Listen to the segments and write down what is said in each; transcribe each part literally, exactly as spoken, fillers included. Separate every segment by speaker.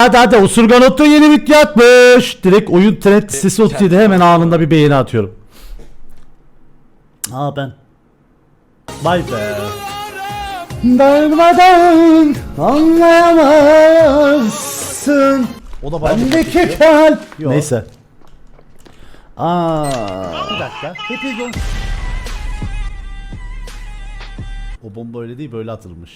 Speaker 1: Hadi hadi Usurganot'ta yeni video atmış. Direkt oyun trend sesi otuz yedi, hemen anında bir beğeni atıyorum. Aa ben. Vay be. Darmadan anlayamazsın. O da bendeki kalp. Neyse. Aa. Bir dakika. Hepiniz o bomba öyle değil, böyle atılmış.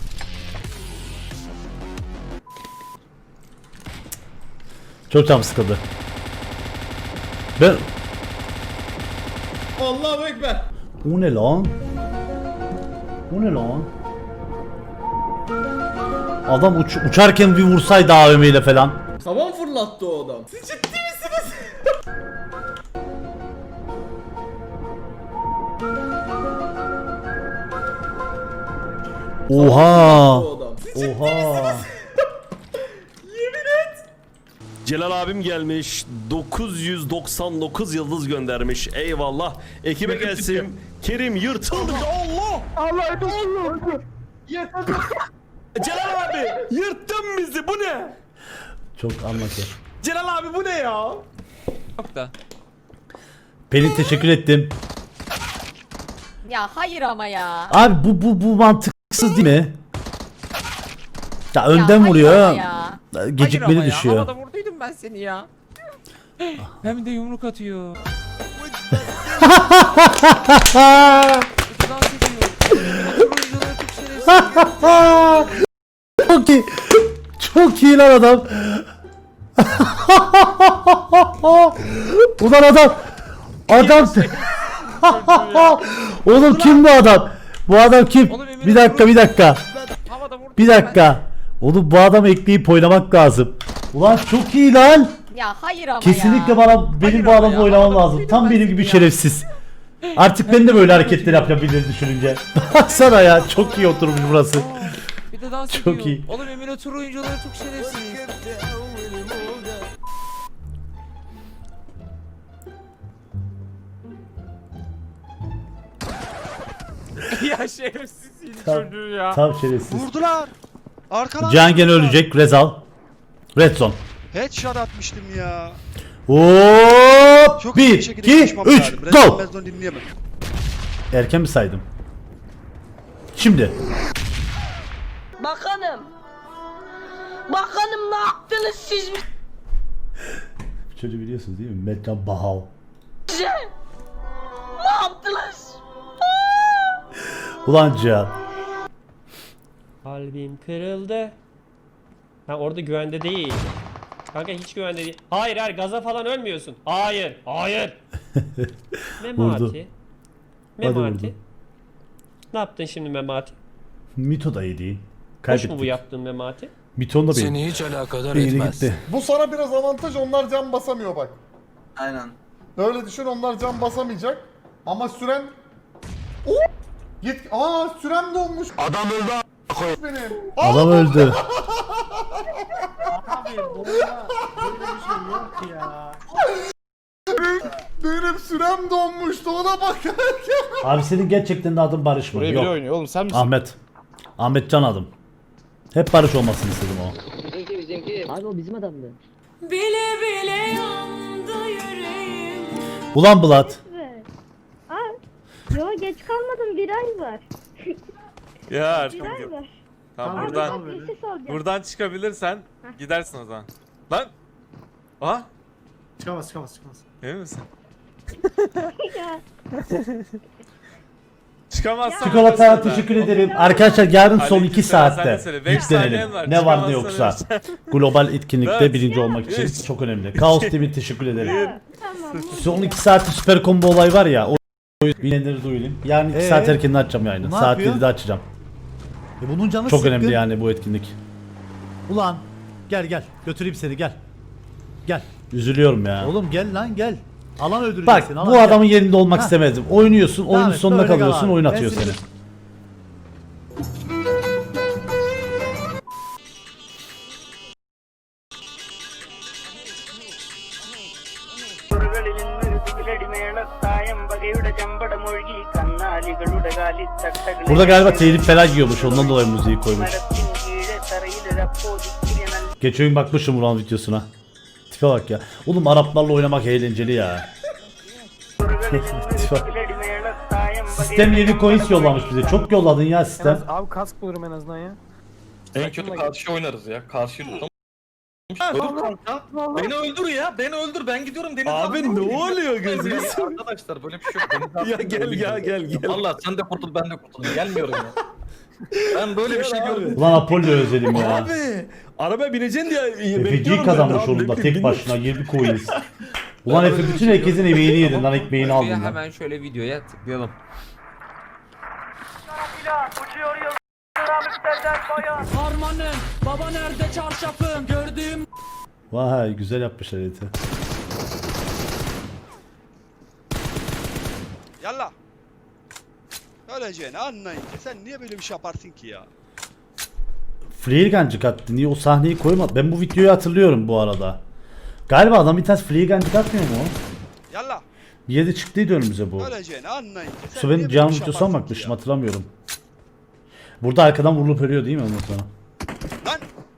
Speaker 1: Çok canım sıkıldı. Ben...
Speaker 2: Allahu Ekber.
Speaker 1: O ne lan? O ne lan? Adam uç uçarken bir vursaydı A V M ile falan.
Speaker 2: Tavan fırlattı o adam. Siz ciddi misiniz?
Speaker 1: Oha!
Speaker 2: O adam. Siz ciddi
Speaker 1: Oha!
Speaker 2: misiniz? Yemin et.
Speaker 3: Celal abim gelmiş, dokuz yüz doksan dokuz yıldız göndermiş. Eyvallah. Ekibe gelsin. Kerim yırtıldı. Allah!
Speaker 2: Allah Allah.
Speaker 3: Celal abi yırttın bizi. Bu ne?
Speaker 1: Çok anlatıyor.
Speaker 3: Celal abi bu ne ya?
Speaker 4: Yok da.
Speaker 1: Pelin teşekkür ettim.
Speaker 5: Ya hayır ama ya.
Speaker 1: Abi bu bu bu mantıksız değil mi? Ya önden
Speaker 5: hayır
Speaker 1: vuruyor.
Speaker 5: ama ya.
Speaker 1: Gecikmeli
Speaker 4: Hayır ama
Speaker 1: düşüyor.
Speaker 4: Ya, havada vurduydum ben seni ya. Hem de yumruk atıyor. Dans ediyor. Oyuncuları çok şerefsiz.
Speaker 1: Çok iyi. Çok iyi lan adam. Ulan adam. Adam. Oğlum kim bu adam? Bu adam kim?
Speaker 4: Oğlum, Emine
Speaker 1: Bir dakika bir dakika.
Speaker 4: Havada vurdum
Speaker 1: Bir dakika. Oğlum bu adam ekleyip oynamak lazım. Ulan çok iyi lan.
Speaker 5: Ya hayır ama
Speaker 1: Kesinlikle
Speaker 5: ya.
Speaker 1: bana benim
Speaker 4: Hayır
Speaker 1: bu
Speaker 4: ama
Speaker 1: adamla
Speaker 4: ya,
Speaker 1: oynamam
Speaker 4: havada
Speaker 1: lazım.
Speaker 4: vurduydum
Speaker 1: Tam
Speaker 4: ben
Speaker 1: benim
Speaker 4: seni
Speaker 1: gibi
Speaker 4: ya.
Speaker 1: şerefsiz. Artık ben de böyle hareketler yapabilirim düşününce. Baksana ya, çok iyi oturmuş burası.
Speaker 4: Aa, bir de dans
Speaker 1: Çok
Speaker 4: ediyor.
Speaker 1: iyi.
Speaker 4: Oğlum emülatör oyuncuları çok şerefsiz. Ya şerefsizsin
Speaker 1: Tam,
Speaker 4: çocuğu ya.
Speaker 1: tam şerefsiz.
Speaker 6: Vurdular. Arkadan.
Speaker 1: Can gene ölecek. Rezal. Red zone.
Speaker 6: Headshot atmıştım ya.
Speaker 1: Hop!
Speaker 6: Çok iyi
Speaker 1: bir,
Speaker 6: bir şekilde
Speaker 1: iki,
Speaker 6: konuşmam
Speaker 1: üç,
Speaker 6: lazım.
Speaker 1: go!
Speaker 6: Resmen ben onu dinleyemem.
Speaker 1: Erken mi saydım? Şimdi.
Speaker 7: Bakanım. Bakanım ne yaptınız siz
Speaker 1: Çocuğu biliyorsunuz değil mi? Metcan Bahav.
Speaker 7: bize? Ne yaptınız?
Speaker 1: Ulan Cihan.
Speaker 8: Kalbim kırıldı. Ha orada güvende değil. Kanka hiç güvende değil. Hayır hayır, gaza falan ölmüyorsun. Hayır. Hayır.
Speaker 1: Vurdu.
Speaker 8: Memati.
Speaker 1: Hadi
Speaker 8: Memati.
Speaker 1: vurdu.
Speaker 8: Ne yaptın şimdi Memati?
Speaker 1: Mito da iyi değil.
Speaker 8: Hoş
Speaker 1: Kaybettik.
Speaker 8: mu bu yaptığın Memati?
Speaker 1: Mito'nun da benim.
Speaker 9: Seni hiç alakadar
Speaker 1: Beyni
Speaker 9: etmez.
Speaker 1: gitti.
Speaker 2: Bu sana biraz avantaj, onlar can basamıyor bak.
Speaker 9: Aynen.
Speaker 2: Öyle düşün, onlar can basamayacak. Ama süren... Oo! Yet... Aa sürem dolmuş.
Speaker 9: Adam öldü a**.
Speaker 2: Benim.
Speaker 1: Adam öldü.
Speaker 2: Benim sürem donmuştu, ona bakarken.
Speaker 1: Abi senin gerçekten de adın Barış mı?
Speaker 2: Buraya
Speaker 1: Yok.
Speaker 2: biri oynuyor oğlum, sen misin?
Speaker 1: Ahmet. Ahmet Can adım. Hep Barış olmasını istedim o.
Speaker 7: Abi o bizim adamdı.
Speaker 5: Bile bile yandı yüreğim.
Speaker 1: Ulan Bulat.
Speaker 10: Aa, yo geç kalmadım, bir ay var.
Speaker 11: Ya
Speaker 10: Bir ay var.
Speaker 11: tamam
Speaker 10: Abi
Speaker 11: buradan
Speaker 10: bak, bir şey soracağım.
Speaker 11: buradan çıkabilirsen gidersin o zaman. Lan. Aha.
Speaker 2: Çıkamaz çıkamaz çıkamaz.
Speaker 11: Emin misin?
Speaker 10: Ya,
Speaker 11: Çıkamazsan
Speaker 1: Çikolata
Speaker 11: öyle söyle.
Speaker 1: teşekkür ederim. Arkadaşlar yarın son
Speaker 11: Aleyküm
Speaker 1: iki
Speaker 11: selam, sen de
Speaker 1: saatte
Speaker 11: söyle. Beş saniyen
Speaker 1: yüklenelim.
Speaker 11: var,
Speaker 1: Ne var ne
Speaker 11: çıkamazsan
Speaker 1: yoksa.
Speaker 11: öyle.
Speaker 1: Global etkinlikte
Speaker 11: Dört.
Speaker 1: birinci olmak için
Speaker 11: Üç.
Speaker 1: çok önemli. Kaos T V teşekkür ederim.
Speaker 10: tamam.
Speaker 1: Son iki saatte süper combo olay var ya. O bilenleri duyurayım. Yarın iki saat erkenden açacağım yayını.
Speaker 12: Ne
Speaker 1: Saat
Speaker 12: yapıyor?
Speaker 1: yedide açacağım.
Speaker 12: E bunun canı
Speaker 1: Çok
Speaker 12: sıkkın.
Speaker 1: önemli yani bu etkinlik.
Speaker 12: Ulan gel gel götüreyim seni, gel. Gel.
Speaker 1: Üzülüyorum ya.
Speaker 12: Oğlum gel lan gel. Alan öldürecek
Speaker 1: Bak
Speaker 12: seni.
Speaker 1: bu
Speaker 12: alan, gel.
Speaker 1: adamın yerinde olmak
Speaker 12: Ha.
Speaker 1: istemezdim. Oynuyorsun, oyunun
Speaker 12: Devam et,
Speaker 1: sonuna
Speaker 12: böyle kal
Speaker 1: kalıyorsun,
Speaker 12: abi.
Speaker 1: oyun
Speaker 12: Ben
Speaker 1: atıyor
Speaker 12: seni-
Speaker 1: seni. Burada galiba telif falan yiyormuş, ondan dolayı müziği koymuş. Geç oyun bakmışım Ulan videosuna. Tipe bak ya. Oğlum Araplarla oynamak eğlenceli ya. Tipe. Sistem yeni coins yollamış bize. Çok yolladın ya sistem.
Speaker 4: Abi kask bulurum en azından ya.
Speaker 9: En kötü karşı oynarız ya. Karşı Öldür kanka. Beni öldür ya. Beni öldür. Ben gidiyorum Deniz abi.
Speaker 3: Abi ne oluyor gözünü
Speaker 9: Arkadaşlar böyle bir şey yok. Deniz abi
Speaker 3: Ya gel ya gel gel.
Speaker 9: Valla sen de kurtul ben de kurtulayım. Gelmiyorum ya. Ben böyle bir şey gördüm.
Speaker 1: Ulan Apollo özledim ya.
Speaker 3: Abi arabaya bineceksin diye
Speaker 1: F G
Speaker 3: bekliyorum.
Speaker 1: kazanmış
Speaker 3: ben.
Speaker 1: oğlum da
Speaker 3: Abi,
Speaker 1: tek
Speaker 3: bin-
Speaker 1: başına yirmi coins. Ulan Efe bütün herkesin emeğini yedin lan ekmeğini aldın lan.
Speaker 4: Hemen şöyle videoya tıklayalım. Harmanım, baba nerede çarşafım, gördüğüm
Speaker 1: Vay güzel yapmışlar Ete.
Speaker 6: Yallah. Öleceğini anlayınca sen niye böyle bir şey yaparsın ki ya?
Speaker 1: Freelgancık attı. Niye o sahneyi koymadı? Ben bu videoyu hatırlıyorum bu arada. Galiba adam bir tanesi Freelgancık atmıyor mu o?
Speaker 6: Yallah.
Speaker 1: Bir yerde çıktıydı önümüze bu.
Speaker 6: Öleceğini anlayınca sen
Speaker 1: Şu
Speaker 6: niye
Speaker 1: benim
Speaker 6: böyle
Speaker 1: canım
Speaker 6: bir şey
Speaker 1: videosuna
Speaker 6: yaparsın
Speaker 1: bakmışım
Speaker 6: ki ya?
Speaker 1: hatırlamıyorum. Burada arkadan vurulup ölüyor değil mi ondan sonra?
Speaker 6: Lan.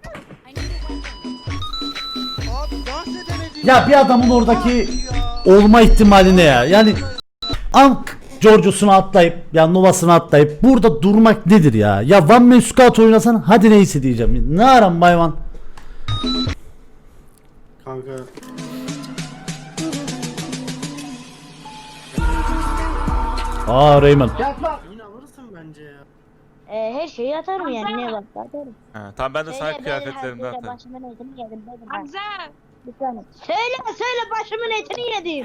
Speaker 6: Abi dans edemedin.
Speaker 1: Ya bir adamın oradaki olma ihtimali ne ya? Yani Ank Giorgio'suna atlayıp ya Nova'sına atlayıp burada durmak nedir ya? Ya One Man Squad oynasan hadi neyse diyeceğim. Ne aram bayvan?
Speaker 2: Kanka.
Speaker 1: Aa Raymond.
Speaker 10: Ee, her şeyi atarım yani ne varsa atarım.
Speaker 11: Ha, tamam ben de sana
Speaker 10: Söyle,
Speaker 11: kıyafetlerimden
Speaker 10: söyle,
Speaker 11: atarım.
Speaker 10: başımın etini yedim dedim.
Speaker 7: Hamza.
Speaker 10: Bir tane. Söyle söyle başımın etini yedim.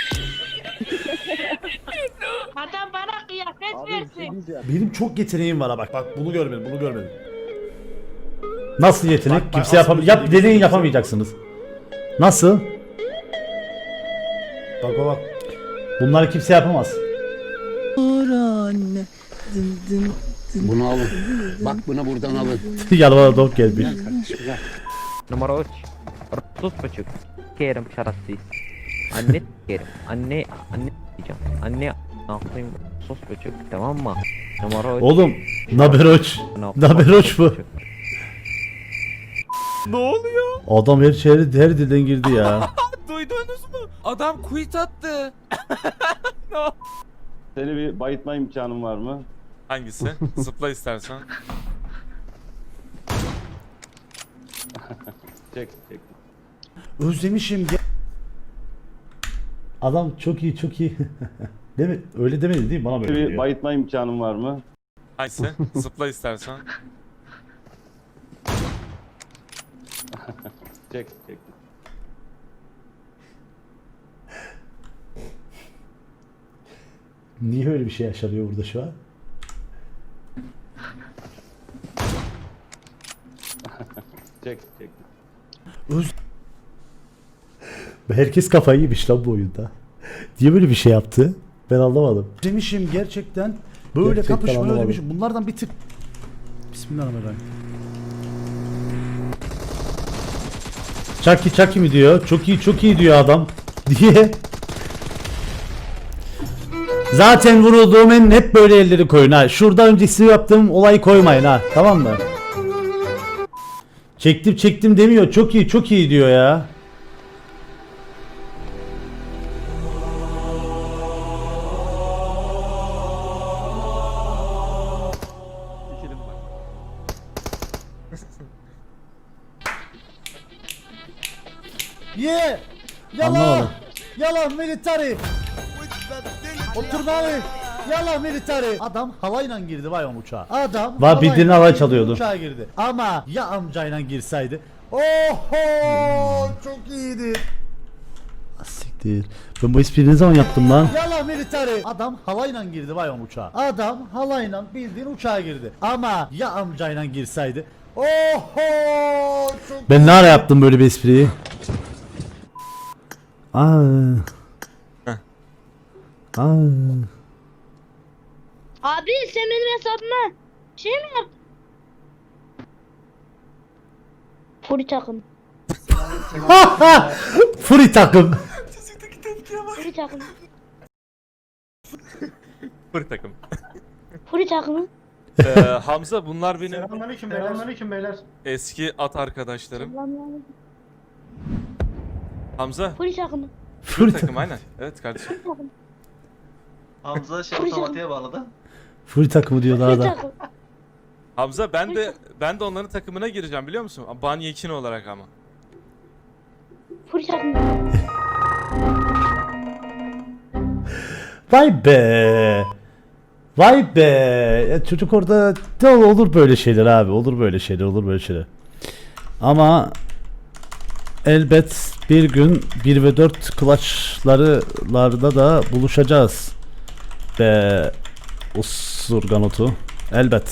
Speaker 7: Adam bana kıyafet versin.
Speaker 1: Benim çok yeteneğim var ha bak bak bunu görmedim bunu görmedim. Nasıl yetenek?
Speaker 2: Bak, bak,
Speaker 1: Kimse yapam
Speaker 2: asıl
Speaker 1: yap
Speaker 2: özelliği
Speaker 1: deneyin
Speaker 2: kimse-
Speaker 1: yapamayacaksınız. Nasıl? Bak bak bak. Bunları kimse yapamaz.
Speaker 9: Bunu alın. Bak bunu buradan alın.
Speaker 1: Yanıma dok gelmiş.
Speaker 4: Numara üç. Sus buçuk. Kerim şarapsız. Anne kerim. Anne anne diyeceğim. Anne ne yapayım? Sus buçuk. Tamam mı? Numara üç.
Speaker 1: Oğlum Naberoç. Naberoç bu.
Speaker 3: Ne oluyor?
Speaker 1: Adam her şehri her dilden girdi ya.
Speaker 4: Duydunuz mu? Adam quit attı.
Speaker 9: Seni bir bayıtma imkanın var mı?
Speaker 11: Hangisi? Zıpla istersen.
Speaker 9: Çek çek.
Speaker 1: Özlemişim ya. Adam çok iyi çok iyi. Değil mi? Öyle demedi değil mi? Bana böyle
Speaker 9: Bir
Speaker 1: diyor.
Speaker 9: bayıtma imkanın var mı?
Speaker 11: Hangisi? Zıpla istersen.
Speaker 9: Çek çek.
Speaker 1: Niye öyle bir şey yaşanıyor burada şu an?
Speaker 9: Çek çek.
Speaker 1: Öz... Herkes kafayı yemiş lan bu oyunda. Niye böyle bir şey yaptı? Ben anlamadım. Demişim gerçekten böyle
Speaker 12: Gerçekten
Speaker 1: kapışmayı
Speaker 12: anlamadım.
Speaker 1: özlemişim. Bunlardan bir tık... Bismillahirrahmanirrahim. Chucky Chucky mi diyor? Çok iyi çok iyi diyor adam. Diye. Zaten vurulduğum en hep böyle elleri koyun ha. Şurada öncesi yaptığım olayı koymayın ha. Tamam mı? Çektim çektim demiyor. Çok iyi çok iyi diyor ya. Ye! Yalan!
Speaker 12: Anlamadım.
Speaker 1: Yalan military! Oturmalı! Yalan military! Adam havayla girdi vay o uçağa. Adam
Speaker 12: Var, bildiğin
Speaker 1: havayla
Speaker 12: havay
Speaker 1: girdi,
Speaker 12: çalıyordu.
Speaker 1: Uçağa girdi. Ama ya amcayla girseydi. Oho! Çok iyiydi.
Speaker 12: Siktir. Ben bu espriyi ne zaman yaptım lan?
Speaker 1: Yalan military! Adam havayla girdi vay o uçağa. Adam havayla bildiğin uçağa girdi. Ama ya amcayla girseydi. Oho! Çok
Speaker 12: Ben ne ara yaptım böyle bir espriyi? Aa. Aa.
Speaker 10: Abi sen benim hesabıma şey mi yaptın? Furi takım.
Speaker 1: Furi takım.
Speaker 10: Furi takım.
Speaker 11: Fır takım.
Speaker 10: Furi takımı.
Speaker 11: Ee, Hamza bunlar benim
Speaker 2: Selamünaleyküm beyler. Selamünaleyküm beyler.
Speaker 11: eski at arkadaşlarım. Hamza
Speaker 10: Polis akımı.
Speaker 11: full takım aynen. Evet kardeşim.
Speaker 6: Hamza şey
Speaker 10: Polis
Speaker 6: otomatiğe bağladı.
Speaker 1: Full takımı diyor daha
Speaker 10: Polis
Speaker 1: da.
Speaker 10: akımı.
Speaker 11: Hamza ben de ben de onların takımına gireceğim biliyor musun? Ban Yekin olarak ama.
Speaker 10: Polis akımı.
Speaker 1: Vay be. Vay be. Ya çocuk orada de olur böyle şeyler abi. Olur böyle şeyler, olur böyle şeyler. Ama elbet bir gün bir ve dört clutch'larda da buluşacağız. Be Usurganotu. Elbet.